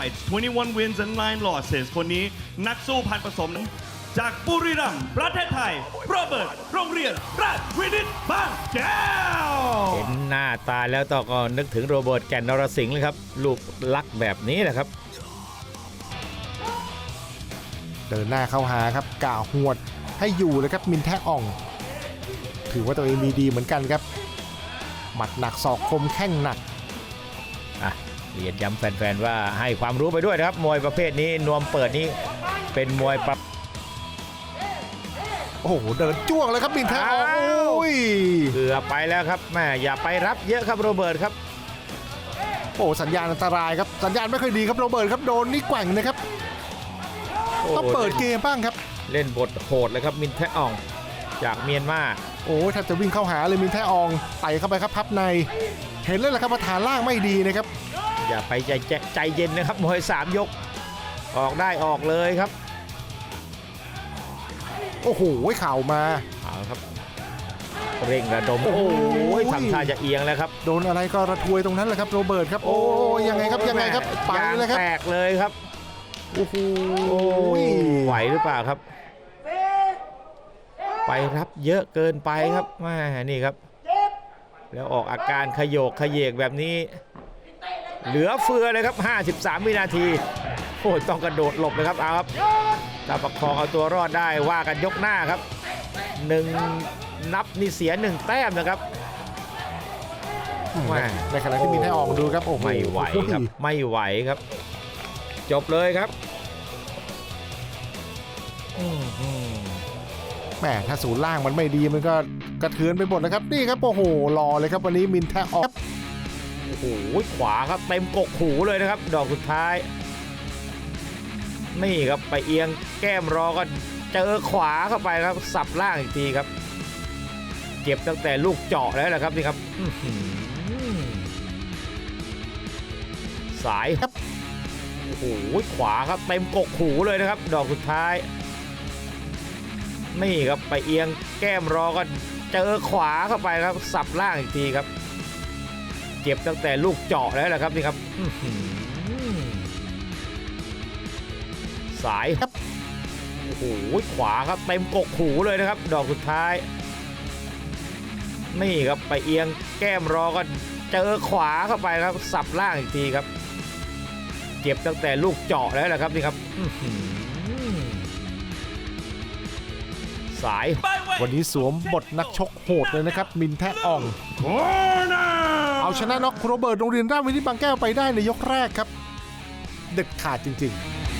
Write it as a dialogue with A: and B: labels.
A: fights 21 wins and 9 losses คนนี้นักสู้พันผสมจากบุรีรัมย์ประเทศไทยโรเบิร์ตโรงเรียนราชวินิตบางแก้ว
B: เห็นหน้าตาแล้วต้องก็นึกถึงโรเบิร์ตแก่นนรสิงห์เลยครับลูกลักแบบนี้แหละครับ
C: เดินหน้าเข้าหาครับก่าหวดให้อยู่เลยครับมินแทอ่องถือว่าตัวเองมีดีเหมือนกันครับหมัดหนักศอกคมแข้งหนัก
B: เรียนย้ำแฟนๆว่าให้ความรู้ไปด้วยนะครับมวยประเภทนี้นวมเปิดนี้เป็นมวย
C: โอ้โหเดินจ้วงเลยครับมินแทอ่องโอ้ย
B: เกือบไปแล้วครับแม่อย่าไปรับเยอะครับโรเบิร์ตครับ
C: โอ้สัญญาณอันตรายครับสัญญาณไม่ค่อยดีครับโรเบิร์ตครับโดนนี่แกว่งนะครับต้องเปิดเกมบ้างครับ
B: เล่นบทโหดเลยครับมินแทอ่องจากเมียนมา
C: โอ้ถ้าจะวิ่งเข้าหาเลยมินแทอ่องไต่เข้าไปครับพับในเห็นเลยแหละครับว่าฐานล่างไม่ดีนะครับ
B: อย่าไปใจเย็นนะครับมวย3 ยกออกได้ออกเลยครับ
C: โอ้โหเข่ามา
B: เอาครับเร่งระดมโอ้โหทำท่าจะเอียงแล้วครับ
C: โดนอะไรก็ระทวยตรงนั้นแหละครับโรเบิร์ตครับโอ้ยังไงครับยังไงครับไปเลยครับ
B: แตกเลยครับโอ้โหไหวหรือเปล่าครับไปรับเยอะเกินไปครับแม่นี่ครับแล้วออกอาการขยโยกขยเยกแบบนี้เหลือเฟือเลยครับ53 วินาทีโอ้ต้องกระโดดหลบเลยครับเอาครับถ้าประคองเอาตัวรอดได้ว่ากันยกหน้าครับ1 นับนี่เสีย1 แต้มนะครับ
C: ในขณะที่มินแทอ่องดูครับโอ้
B: ไม่ไหวครับไม่ไหวครับจบเลยครับ
C: แหมถ้าศูนย์ล่างมันไม่ดีมันก็กระเทือนไปหมดนะครับนี่ครับโอ้โหรอเลยครับวันนี้มินแทอ่อง
B: โอ้โหขวาครับเต็มกกหูเลยนะครับดอกสุดท้ายนี่ครับไปเอียงแก้มรอก็เจอขวาเข้าไปครับสับล่างอีกทีครับเจ็บตั้งแต่ลูกเจาะแล้วแหละครับนี่ครับสายครับโอ้โหขวาครับเต็มกกหูเลยนะครับดอกสุดท้ายนี่ครับไปเอียงแก้มรอก็เจอขวาเข้าไปครับสับล่างอีกทีครับเจ็บตั้งแต่ลูกเจาะแล้วแหละครับนี่ครับสายครับโอ้โหขวาครับเต็มกกหูเลยนะครับดอกสุดท้ายนี่ครับไปเอียงแก้มรอก็เจอขวาเข้าไปครับสับล่างอีกทีครับเจ็บตั้งแต่ลูกเจาะแล้วแหละครับนี่ครับสาย
C: วันนี้สวมบทนักชกโหดเลยนะครับมินแทอ่องเอาชนะน็อกโรเบิร์ตโรงเรียนราชวินิตบางแก้วไปได้ในยกแรกครับเด็ดขาดจริงๆ